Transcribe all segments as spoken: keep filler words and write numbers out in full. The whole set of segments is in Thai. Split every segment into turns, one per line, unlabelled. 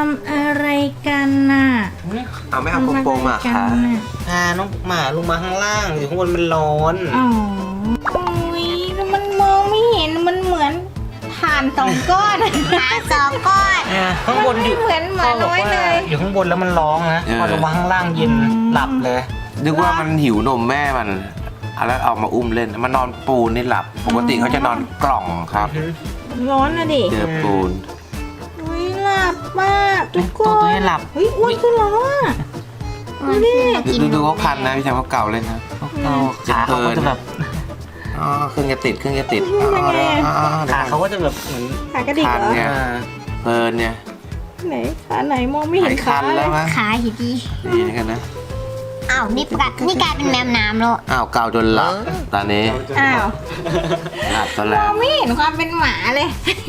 ำอะไรกันน่ะ
เอาไม่เอาโปโปมาค่ะ
พาน้องหมาลงมาข้างล่างอยู่ข้างบนมันร้อน
อ๋อโอ้ยแล้วมันมองไม่เห็นมันเหมือนถ่านสองก้อนถ่านสองก้อน
อ่าข้างบนอยู่
เหมือนหมาน้อยเลย
อยู่ข้างบนแล้วมันร้องนะพอลงมาข้างล่างเย็นหลับเลย
นึกว่ามันหิวนมแม่มันแล้วเอามาอุ้มเล่นมันนอนปูนนี่หลับ ปกติเขาจะนอนกล่องครับ
ร้อนนะดิ
เจอปูน
อุ้ยหลับมากทุกค
ตัวน ตัวนี้หลับ
เฮ้ยอ้วนขึ้นแล้วอ่ะดูดิ
ดูดูเขาคันนะพี่ชายเขาเก่าเลยนะ
เอาขาเขาก็จะแบบ
อ๋อเครื่องจะติดเครื่องจะติด
ขาเขาก็จะแบบเหมือน
ขากระดิก
คัน
เหรอ
เนี่ยเพลินเนี่ย
ไหนขาไหนมองไม่เห็น
คั
ขาน เล
แล้
ยว
มั้ง
ขาหิดี
ดีนะกันนะ
อ้าวนี่กลายนี่กลายเป็นแมวน้ำแล้ว
อ้าวเก่าจนหลับตอนนี้
อ้าว
หลับตอน
ม
แร
อก งไม่เห็นความเป็นหมาเลย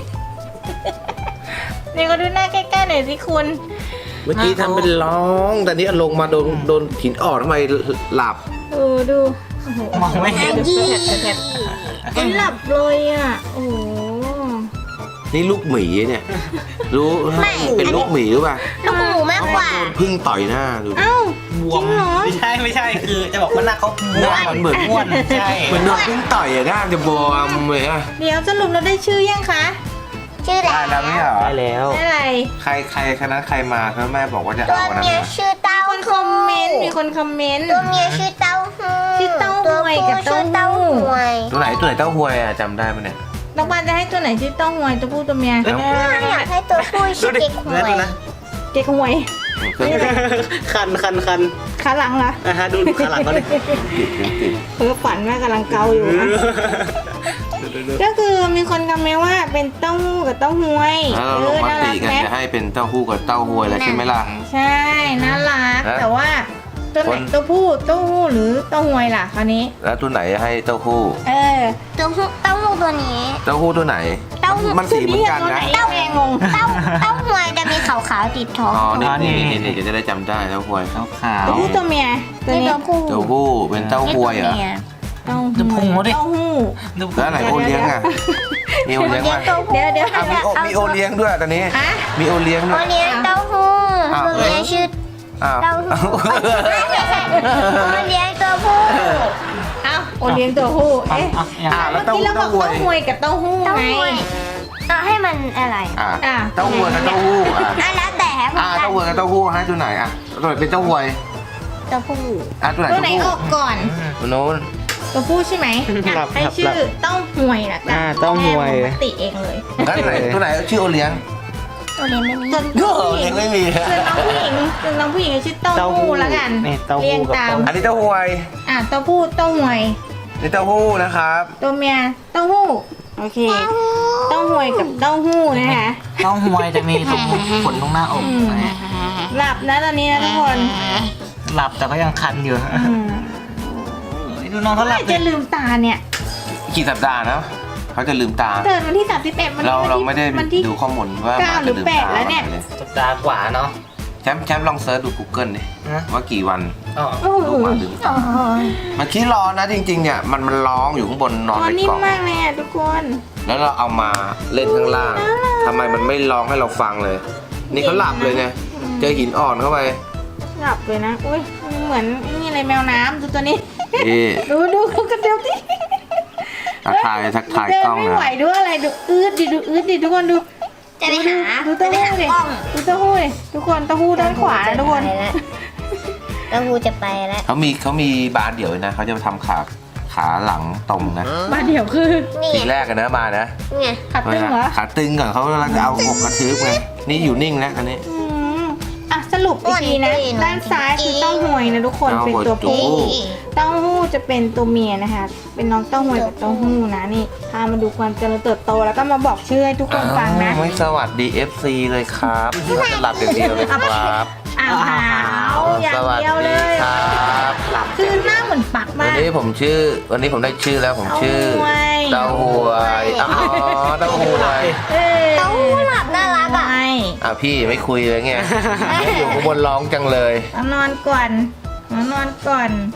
เดี๋ยวก็ดูหน้าใกล้ๆหน่อยสิคุณ
เมื่อกี้ทำเป็นร้องแต่นี้ลงมาโดนโดนหินอ่อนทำไมหลับ
ดูดูโอ้โห
มองไม่เห็น
มันหลับเลยอ่ะโอ้โห
นี่ลูกหมีเนี่ย รู้เป็นลูกหมีหรือเปล่า
ลูกหมูมากกว่า
พึ่งต่อยหน้าดู
เอ้า
บวมไม่ใช่ไม่ใช่คือจะบอกว่าหน้าเขาบวม
มันเหมือน
อ้วนใช่
เหมือนโดนพึ่งต่อยอะหน้าจะบวมเลยอะ
เดี๋ยวสรุปเราได้ชื่อยังคะ
ชื่ออะไร
ได้แล้วไม่เหรอ
ได้แล้ว
ได้อะไร
ใครใครคณะใครมาครับแม่บอกว่าจะ
ตัว
เอาอันนั้น
เมีย
มา
ชื่อเต้า
คนคอมเมนต์มีคนคอมเมนต์
ตัวเมียชื่อเต้าหู้
ชื่อเต้าหวยกับ
ตัวผู้ชื่อ
เต้า
เต้า
หู้
หวย
ตัวไหนตัวไหนเต้าหวยอะจำได้ไหมเนี่ย
น้องปานจะให้ตัวไหนชื่อเต้องหวยตัวผู้ตัวเมีย
เอ้ย
อยากให้ตัวผู้ชื่อเด็กหวย
ดูนะ
เก๊กหวย
เครื่องติด
คันคันคัน
ขาหลังเหรอ
นะฮะดูดูขาหลังเขาเลย
เครื่องติด
เพ้อฝันว่ากำลังเกาอยู่นะก็คือมีคนคอมเมนต์ว่าเป็นเต้าหู้กับเต้าหวย
แล้วเราลงมาตีกันจะให้เป็นเต้าหู้กับเต้าหวยแล้วใช่ไหมล่ะ
ใช่น่ารัก
แล้ว
แต่ว่าตัวไหน
คน
ตัวผู้เต้าหู้หรือเต้าหวยล่ะคราวนี้
แล้วตัวไหนให้เต้าหู้
เออ
ตัวผู้เต้าหู้ตัวนี้
เต้าหู้ตัวไหน
เต้าหู้
มันสีเหมือนกันนะ
เต้าแงงง
เต้าเต้าหวยจะมีขาวๆติดท้อง
อ๋อนี่นี่นี่นี่จะได้จำได้เต้าหวย
ขาวขาว
ตัวผู้ตัวเมียตัว
นี่
นี้
ตัวผู้
เต้าหู้เป็นเต้าหวยเหรอ
เต้าหู้เต้าหู้
แล้วไหนโอเลี้ยงอ่ะมีโอเลี้ยง
เลี้ย
ไห
ง
ม
ตัวผู้
เดี๋ยวเดี๋ยว
อ่ะมีโอมีโอเลี้ยงด้วยตอนนี้
ฮะ
มีโอเลี้ยงด้
โอ
วย
เลี้ยงเต้าหู้
อ้าว
ตัวเมียชื่อ
อ้าว
เต้าหู้โอเลี้ยงตัวผู้
เอ้าโอเลี้ยงตัวผู้เอ๊ะ
อ่าแล้ว
เมื่อ
เต้า
กี้เรา
หู้
บอก
เต้าหวย
เต้าหวยกับเต้าหู้
เต้า
ไง
หวยเอาให้มันอะไร
อ่า
อ่ะ
เต้าหวยกับเต้าหู้อ่ะ
อ่ะแล้วแต่ให้ผม
อ่า
กั
เต้าหวยกับเต้าหู้ให้ตัวไหนอ่ะตัวไหนเป็นเต้าหวย
ตัวผู้
อ่ะตัวไหน
ตัว
เต้า
ไหน
หู้
ออกก่อน
ตัวโน้น
ตัวผู้ใช่ไหมอ่ะให้ชื่อเต้าหวยละกัน
อ่าเต้าหวย
แม่ปกติเองเลย
แล้วตัวไหนตัวไหนชื่อโอเลี้ยง
ตัวนี้ไม่มี
ส่วน
โอ้
ผู้หญิ
ยัง งไม่มี
ส่วนน้องผู้หญิงส่วนน้องผู้หญิงชื่อเต้า
เต้าหู้
หู้ละกัน
นี่เต้าหู้
เรียง
กับ
ตาม
เต้าหู้
อันนี้เต้าหวย
อ่ะเต้าผู้เต้าหวย
นี่เต้าหู้นะครับ
ตัวเมียเต้าหู้โอเคเต้าหวยกับเต้าหู้นะคะ
เต้าหวยจะมีตรงขนตรงหน้าอกนะฮะ
หลับนะตอนนี้นะทุกคน
หลับแต่ก็ยังคันอยู่
อืม
ดูน้องเขาหลับ
จะลืมตาเนี่ย
กี่สัปดาห์นะเขาจะลืมตา
เกิดวันที่สามสิบเอ็ดวัน
เรา
ที่
เราไม่ได้
วันที่
ดูข้อมูลว่า
เก้าหรือแปดแล้วเนี่ย
สัปดาห์กว่าเนาะ
แชมป์แชมป์ลองเซิร์ชดู Google ดิ
ฮะ
ว่ากี่วัน
อ๋อ
โอ้โห
ลูกหมาลืมตา มันขี้ร้อนนะจริงๆเนี่ยมันมันร้องอยู่ข้างบนนอน
ตัว
ใน
นิ่
ก
ม
ล่อง
มากเลยอ่ะทุกคน
แล้วเราเอามาเล่นข้างล่างทำไมมันไม่ร้องให้เราฟังเลย นี่เขาหลับเลยเนี่ยเจอหินอ่อนเข้าไป
หลับเลยนะอุ้ยเหมือนนี่อะไรแมวน้ำดูตัวนี้
นี่
ดูดูเขากระเดียวที่
ทักทายทักทาย
เดิ
ก
น
ล้อง
ไม่
นะ
ไหวด้วยอะไรดูอืดดิดูอืดดิทุกคนดู
จะไปหา
ดูเต้าหู้ดิ
กล้อง
ดูเต้าหู้ดิทุกคนเต้าหู้ด้านขวานะทุกคน
เต้าหู้จะไปแล้ว
เขามีเขามีบานเดี่ยวนะเขาจะทำขาขาหลังตรงนะ
มาเดี๋ยวคือ
นี่
ทีแรกกันนะมานะ
ไง
ขัดตึงเหรอ
ขาตึงก่อนเขาแล้วจะเอาอกกระทืบไงนี่อยู่นิ่งแล้วตอนนี้
อืมอ่ะสรุปอีกทีนะ ด้านซ้ายคือเต้าหวยนะทุกคนเป็นตัวผู้ เต้าหู้จะเป็นตัวเมียนะคะ เป็นน้องเต้าหวยกับเต้าหู้นะนี่พามาดูความเจริญเติบโตแล้วก็มาบอกชื่อให้ทุกคนฟังนะ
อ้าวไม่สวัสดี เอฟ ซี เลยครับเราจะหลับอย่างเดียวเลยครับ
อ้าวหาวอย่าง
สวัส
เดียวเล
ดี
ย
ครับ
คือหน้าเหมือนปัก
วัน
มาก
นี้ผมชื่อ วันนี้ผมได้ชื่อแล้วผมชื่อ
เต้าหวย
เต้าหวยอ๋อเต้าหวย
เอ้ย
เต้าหู้หลับน่ารักอ่ะ
ไม่
อ่ะพี่ไม่คุยเลยไงอยู่ข้างบนร้องจังเลย
เอานอนก่อนเอานอนก่อน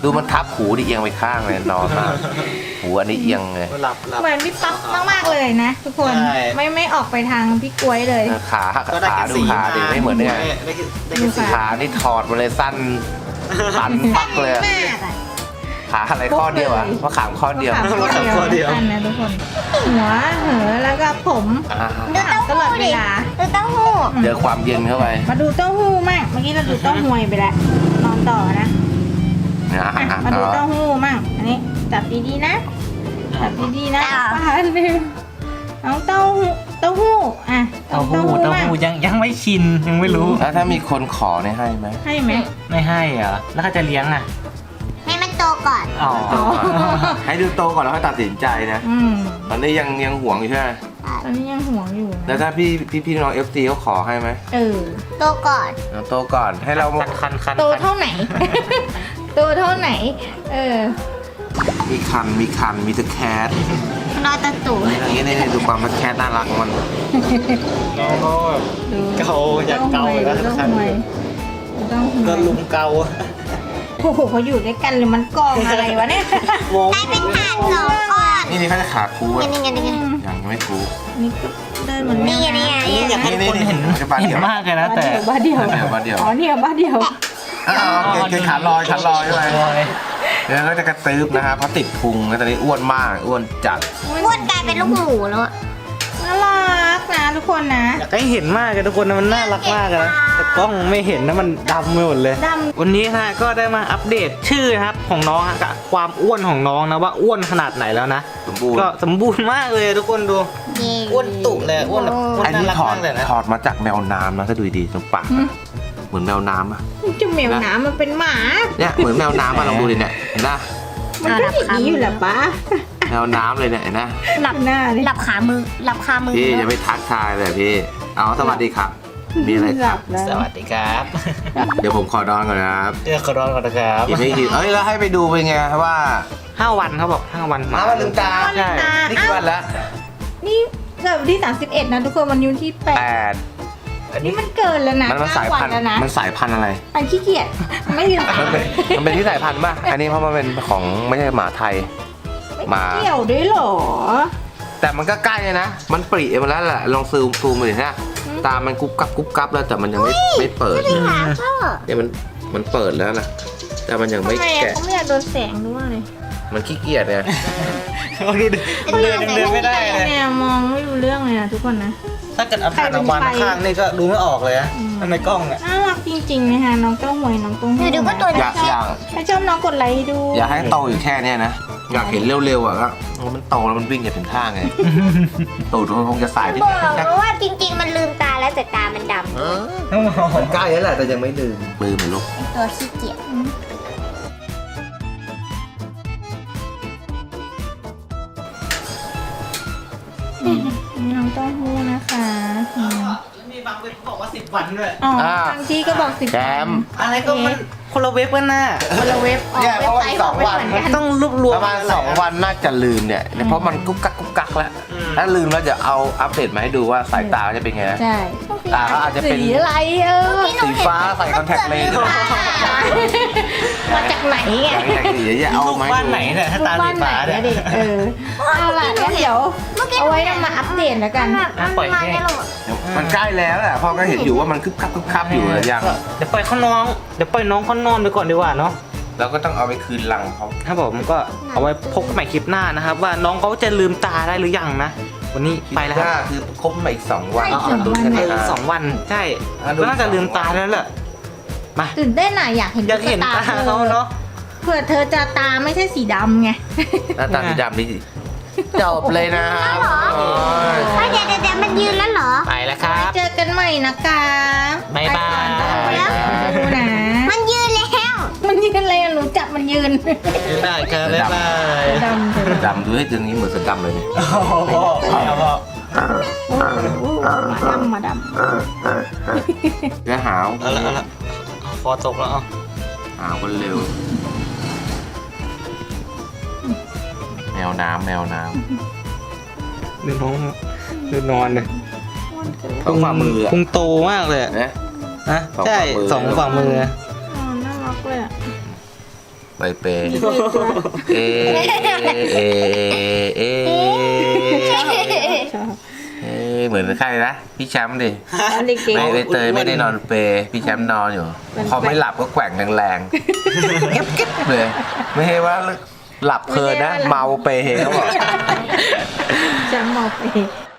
ดูมันทับหูดิเอียงไปข้างเลยนอนมาหูอันนี้เอียงเลย
หลับหลับ
เหมือนพี่ป๊อปมากๆเลยนะทุกคน
ใช่
ไม่ไม่ออกไปทางพี่กล้วยเลย
ขาขาดูขาดิไม่เหมือนเนี่ย
ได้แค่ได้
ดู
แค่
ค่ะ
ขานี่ถอดมาเลยสั้นตันปักเลย
มากอะ
ขาอะไรข้อเดียวอะมะขามข้อเดียว
มะขามข้อเดียวสั้นนะทุกคน หัวเหอแล้วก็ผม
อ่า
ดูเต้า
ตลอ
หู้
ดเว
ดิ
ลา
ดูเต้าหู้
เจอความเย็นเข้าไป
มาดูเต้าหู้มั่งเมื่อกี้เราดูเต้าหวยไปแล้วนอนต่อนะ
นะ
อ่ะมาดูเต้าหู้มั่งอันนี้จับดีๆนะจับดีๆนะปลาเร็วน้องเต้าหู้เต้าหู้อ่ะ
เต้าหู้เต้า
มั่ง
หู้ยังยังไม่ชินยังไม่รู้
แล้วถ้ามีคนขอเนี่ยให้ไหม
ให้ไหม
ไม่ให้เหรอแล้วเขาจะเลี้ยงอ่ะ
ให้มันโตก่อน
อ๋อ
ให้ดูโตก่อนแล้วค่อยตัดสินใจนะ
อืม
ตอนนี้ยังยังห่วงอยู่ใช่ไหม
ตอนนี้ยังห่วงอยู่
แล้วถ้าพี่พี่พี่น้องเอฟซีเขาขอให้ไหม
เออ
โตก่อน
เอาโตก่อนให้เรา
คันคันคัน
โตเท่าไหน โตเท่าไหน เออ
มีคันมีคันมีตะแคท
รอตะตู่
อย่างนี้นี่ดูความตะแคทน่ารักของมัน
น้องก็แบบ
ดู
เกาอยากเกาอยู่แล้ว
เต้า
คัน
หวยเต้าหวย
ก็ลุมเกา
โอ้โหเขาอยู่ด้วยกันหรือมันกองอะไรวะเนี่ย
มอง
ได้เป็นถาดสองก้อน
นี่นี่เขาจะขาคู
นี่
อะ
ไงนี่ไง
ยังไม่คู
นี่ก็เดินเหมือน
นี่ไงนี่ไง
นี่อยากให้ทุกคนเห็น
นี่นี่
เห็นมากเลยนะแต่
บ้าเดียว
บ้าเดียวบ้าเดียว
อ๋อเนี่ยบ้าเดียว
อ้าวเกเกขาลอยขาลอยใช่ไหมเดี๋ยวก็จะกระตืบนะครับเพราะติดพุงแล้วตอนนี้อ้วนมากอ้วนจัด
อ้วนกลายเป็นลูกหมูแล้วอะ
น่ารักนะทุกคนนะ
อยากให้เห็นมากเลยทุกคนนะมันน่ารักมากเลยนะแต่กล้องไม่เห็นนะมันดำไปหมดเลย
ด
วันนี้นะก็ได้มาอัปเดตชื่อนะครับของน้องฮะกับความอ้วนของน้องนะว่าอ้วนขนาดไหนแล้วนะ
สมบูรณ์
ก็สมบูรณ์มากเลยทุกคนดูอ้วนตุเลยอ้วนแบบอ้วน
อัน
น่า
นี้
รัก
ถอด
มากเลยนะ
ถอดมาจากแมวน้ำนะถ้าดูดีๆตรงปากอะเหมือนแมวน้ำอะ
ำจะแมวน้ำมันเป็นหมา
เนี่ยเหมือนแมวน้ำอะลองดูดิเนี่ยเห็นปะ
มันก็อย่างนี้อยู่แหละป้า
แมวน้ำเลยเนี่ยเห็นปะ
หลับหน้าเลย
หลับขามือหลับคามือ
พี่อย่าไปทักทายเลยพี่เอาสวัสดีครับมีอะไร
หลับแล้ว
สวัสดีครับ
เดี๋ยวผมขอนอนก่อนนะครับ
เดี๋ยวขอร้อนก่อนนะครับ
อีกไม่กี่เอ้ยแล้วให้ไปดูเป็นไงว่า
ห้าวันเขาบอกห้าวัน
มาวันลืมตา
ใช่
นี่กี่วันแล้ว
นี่เกิดวันที่สามสิบเอ็ดนะทุกคนวันนี้วันที่แป
แป
ด
ด
อัน
นี่
นี้
มันเกินแล้วนะ
มันมันสายพันธุ์
เก้วันแล้วนะ
มันสายพันธุ์อะไร
มันขี้เกียจไม่ลืม
มันเป็นมันเป็นที่สายพันธุ์ป่ะอันนี้เพราะมันเป็นของไม่ใช่หมาไทย มา
เกี่ยวด้วยเหรอ
แต่มันก็ใกล้เลยนะ มันปริมาแล้วแหละลองซูมซูมมาดิฮะตามันกุ๊บกับกุ๊บกับแล้วแต่มันยังไม่ไม่เปิด
ขาพ่อ
เนี่ยมันมันเปิดแล้วนะแต่มันยังไม่
ทำไมอะ
แกะ
เขาไม่อยากโดนแสงด้วยเลย
มันขี้เกียจเนี่ย
โอเคเดินเดินยังเดินไม่ได้เลย
เนี่ยมองไม่รู้เรื่องเลยนะทุกคนนะ
ถ้าเกิดเอาผ่านออกมาข้างนี่ก็ดูไม่ออกเลยนะ
อืม
ทำไมกล้องอ่ะ
น่ารักจริงๆนะคะน้องเต้าหวยน้องเต้าหู้
เดี๋ยวดูก็ตัว
อยากอยาก
ถ้าชอบน้องกดไลค์ให้ดู
อยากให้โตอยู่แค่เนี้ยนะอยากเห็นเร็วๆอ่ะก็มันโตแล้วมันวิ่งจะถึงท่าไงตูดมันคงจะสายที่
บอก
จะ
ว่าจริง ๆ มันลืมตาแล้วแต่ตามันดำ
มันใกล้แล้วแหละแต่ยังไม่ลืมลืมเหมือนลูก
เป็นตัวขี้เกียจ
นี่น้องเต้าหู้นะคะอืม
มีบางเว็บบอกว่าสิบวันด้วย
อ๋อบางที่ก็บอกสิบ
แจม
อะไรก็มันคนละเว็บกันน่ะ
คนละเว็บออก
เนี่ย
เว็บไซต์
เพ
ข
ราะ
อง
ว่า
ไม่เหมือนกัน
ต้องรวบรว
ป
ม
ระมาณสองวันน่าจะลืมเนี่ยเพราะมันกุ๊กกักกุ๊กกักแล้วถ้าลืมแล้วจะเอาอัปเดตมาให้ดูว่าสายตาจะเป็นไง
ใช่
ตาก็อาจจะเป็น
สีอะไรเออ
สีฟ้าใส่คอนแทคเลนส์
มาจากไหน
อ
อ่ะ
ย่างอย่างนี้อย่าเอา
ลูก
มา
บ้านไหนเนี่ยถ้าตา
บ้า
สี
นไหน
ฟ้าเนี่ย
อะดิเออเอาล่ะงั้นเดี๋ยวเอาไว้นำมาอัปเดตแล้วกัน
ปล่อยให้
มันใกล้แล้วแหละพ่อก็เห็นอยู่ว่ามันคึบคับคึบคับอยู่แล้วยัง
เดี๋ยวปล่อยเขาน้องเดี๋ยวปล่อยน้องเขานอนไปก่อนดีกว่าเนาะ
เราก็ต้องเอาไปคืนรังเขา
ครับผมก็เอาไว้พบกันใหม่คลิปหน้านะครับ ว่าน้องเขาจะลืมตาได้หรือยังนะ วันนี้ไปแล้วค
ถ้า
รับ
คือครบมาอีกสองวัน
ใช่
ดูแค่
ไอ้
นี้
สองวันใช่
อ่ะดู
ก็น่าจะลืมตาแล้วแหละมา
ตื่นเต้นอ่ะอยากเห็น
อยากเห็นตาเขาเนาะ
เผื่อเธอจะตาไม่ใช่สีดำไง
หน้าตาสีดำนี่จบเลยนะครับโอ้ย
เดี๋ยวเดี๋ยวเดี๋ยวมันยืนแล้วเหรอ
ไปแล้วครับ
เจอกันใหม่นะคะ
บ๊ายบาย
ไปก่อนดูนะ
มันยืนแล้ว
มันยืนเลยหนูจับมันยืน
บ๊ายบายครับบ๊ายบาย
ดำเถอะ
ดำดูให้ตัวนี้เหมือนเสือดำเลยเนี่ย
โอ้โหเอาพอ
โอ้โหมาดำมาด
เนื้อหาว
เอาละเอาละเอาฟอตกแล้วเอา
หาวกันเร็ว แมวน้ำแมวน้
ดูน้องดูนอนเลย
ำต้องฝ่ามืออะ
พุงโตมากเลยอะ
นะ
นะ
สอง
ใช่
ฝ่ามือ
สองฝ่ามือ
ำอ๋อน่ารักเลยอะ
ไปเปย์เอเอเอ
ชอบ
เอ้ยเหมือนใครนะพี่แชมป์ดิ
ตอนเด็ก
ไม่ได้เตยไม่ได้นอนเปย์พี่แชมป์นอนอยู่
มัน
พอไม่หลับก็แกว่งแรงๆเก็บเก็บเลย ไม่ใช่ว่าหลับเพลินนะ เมาเปย์เขาบอก
ๆจะมองไป